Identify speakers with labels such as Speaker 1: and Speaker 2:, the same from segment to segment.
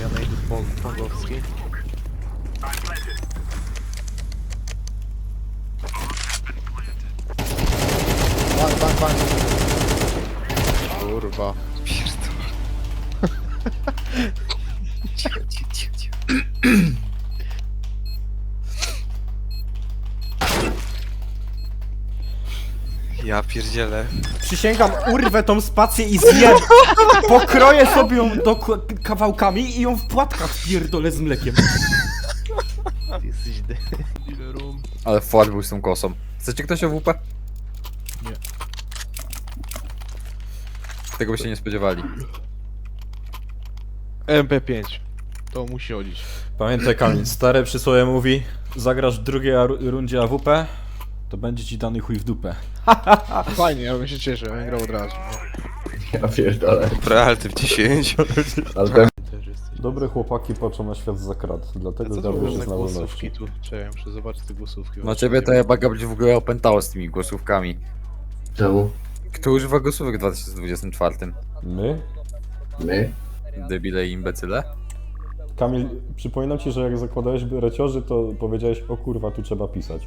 Speaker 1: Ja najdę Pongowski. Bang. Kurwa. Pierdolę. Cicho. Ja pierdzielę.
Speaker 2: Przysięgam, urwę tą spację i zjem. Pokroję sobie ją kawałkami i ją w płatkach pierdolę z mlekiem.
Speaker 1: Ty jesteś dealerem.
Speaker 3: Ale fart był z tą kosą. Chcecie ktoś AWP?
Speaker 1: Nie.
Speaker 3: Tego by się nie spodziewali.
Speaker 1: MP5. To musi chodzić.
Speaker 2: Pamiętaj Kamil, stare przysłowie mówi: zagrasz w drugiej rundzie AWP, to będzie ci dany chuj w dupę.
Speaker 1: Fajnie, ja bym się cieszył, ja bym grał od razu.
Speaker 4: Ja pierdolę.
Speaker 5: Dobra, ale ty w 10.
Speaker 4: Ale ten...
Speaker 1: Też jesteś.
Speaker 2: Dobre chłopaki patrzą na świat za krat,
Speaker 1: A
Speaker 2: dlatego
Speaker 1: co to
Speaker 2: Gabriel
Speaker 1: za
Speaker 2: jest na
Speaker 1: głosówki
Speaker 2: wolności.
Speaker 1: tu? Czekaj, muszę zobaczyć te głosówki.
Speaker 3: Na ciebie to chyba Gabriel w ogóle opętało z tymi głosówkami.
Speaker 4: Czemu?
Speaker 3: Kto używa głosówek w 2024?
Speaker 2: My?
Speaker 4: My?
Speaker 3: Debile i imbecyle?
Speaker 2: Kamil, przypominam ci, że jak zakładałeś bereciorzy, to powiedziałeś: o kurwa, tu trzeba pisać.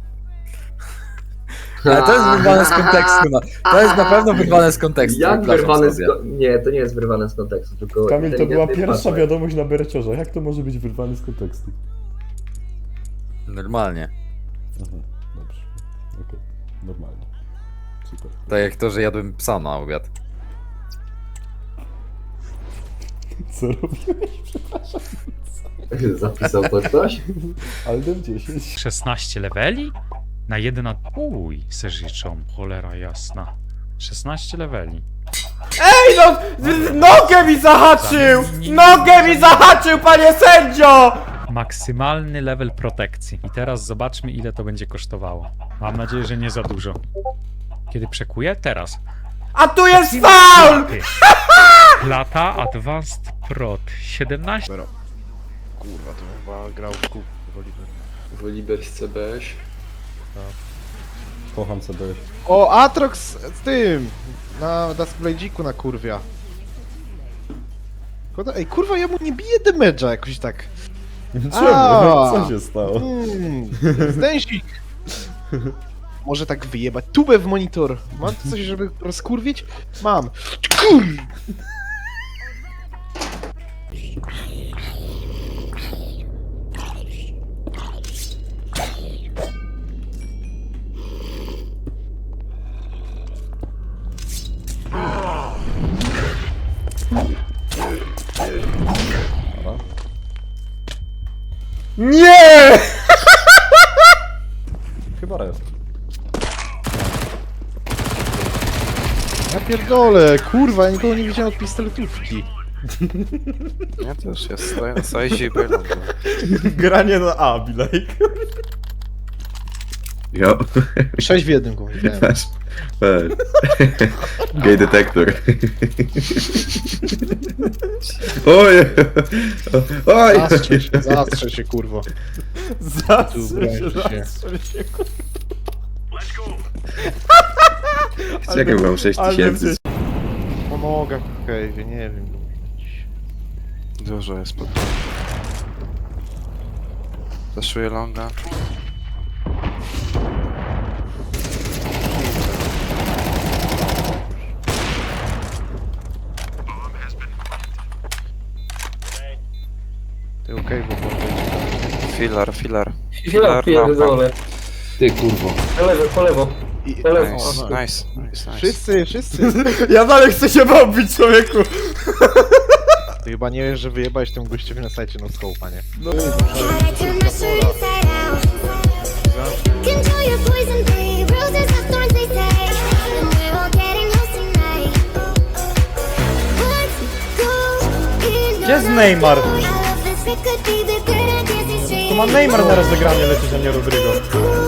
Speaker 3: Ale to jest wyrwane z kontekstu, no. To jest na pewno wyrwane z kontekstu.
Speaker 4: Jak
Speaker 3: przepraszam
Speaker 4: wyrwane
Speaker 3: sobie.
Speaker 4: Nie, to nie jest wyrwane z kontekstu, tylko...
Speaker 2: Kamil, to była
Speaker 4: inteligentny
Speaker 2: pierwsza
Speaker 4: patrz.
Speaker 2: wiadomość na bereciorze. Jak to może być wyrwane z kontekstu?
Speaker 3: Normalnie.
Speaker 2: Aha, dobrze. Okej, normalnie. Super.
Speaker 3: Tak jak to, że jadłem psa na obiad.
Speaker 2: Co robiłeś?
Speaker 4: Zapisał to ktoś?
Speaker 2: Aldem 10.
Speaker 6: 16 leveli? Na 1 Uj, se życzą, cholera jasna. 16 leveli.
Speaker 2: Ej no! Nogę mi zahaczył! Nogę mi zahaczył, panie sędzio!
Speaker 6: Maksymalny level protekcji. I teraz zobaczmy, ile to będzie kosztowało. Mam nadzieję, że nie za dużo. Kiedy przekuję? Teraz.
Speaker 2: A tu jest faul!
Speaker 6: Lata Advanced Prot 17.
Speaker 1: Kurwa, to chyba grał w kup.
Speaker 4: Woliber z CBS.
Speaker 2: Kocham sobie.
Speaker 1: O, Atrox z tym! Na Duskblade'iku na kurwia. Ej, kurwa, ja mu nie biję damage'a jakoś tak.
Speaker 2: Czemu?
Speaker 1: A.
Speaker 2: Co się stało?
Speaker 1: Zdęsik! Może tak wyjebać tubę w monitor. Mam tu coś, żeby rozkurwić? Mam. Kur...
Speaker 2: Nie! Chyba jest.
Speaker 1: Ja pierdolę, kurwa, ja nikogo nie widziałem od pistoletówki.
Speaker 5: Ja też, ja stoję na sajzie i bieram.
Speaker 2: Granie na A, Bilejk.
Speaker 4: Jo.
Speaker 1: 6 w jednym go widziałem.
Speaker 4: Patrz. Gay detektor. Oj! Oj!
Speaker 1: Zastrze się, kurwo.
Speaker 2: Zastrzel się.
Speaker 4: Czekaj, mam 6000.
Speaker 1: Pomogę, okej, nie wiem.
Speaker 5: Dużo jest pod... Zaszuję longa.
Speaker 1: Ty okej, bo
Speaker 5: Filar.
Speaker 7: Ja pierdolę.
Speaker 4: Ty kurwo.
Speaker 7: Po lewo, po lewo. Po lewo.
Speaker 5: Nice.
Speaker 1: Wszyscy.
Speaker 2: Ja dalej chcę się bawić, człowieku.
Speaker 1: Ty chyba nie wiesz, że wyjebałeś temu gościowi na sajcie no scope'a, nie? No
Speaker 2: Gdzie jest Neymar? To ma Neymar na rozegranie lecieć, a nie Rodrygo.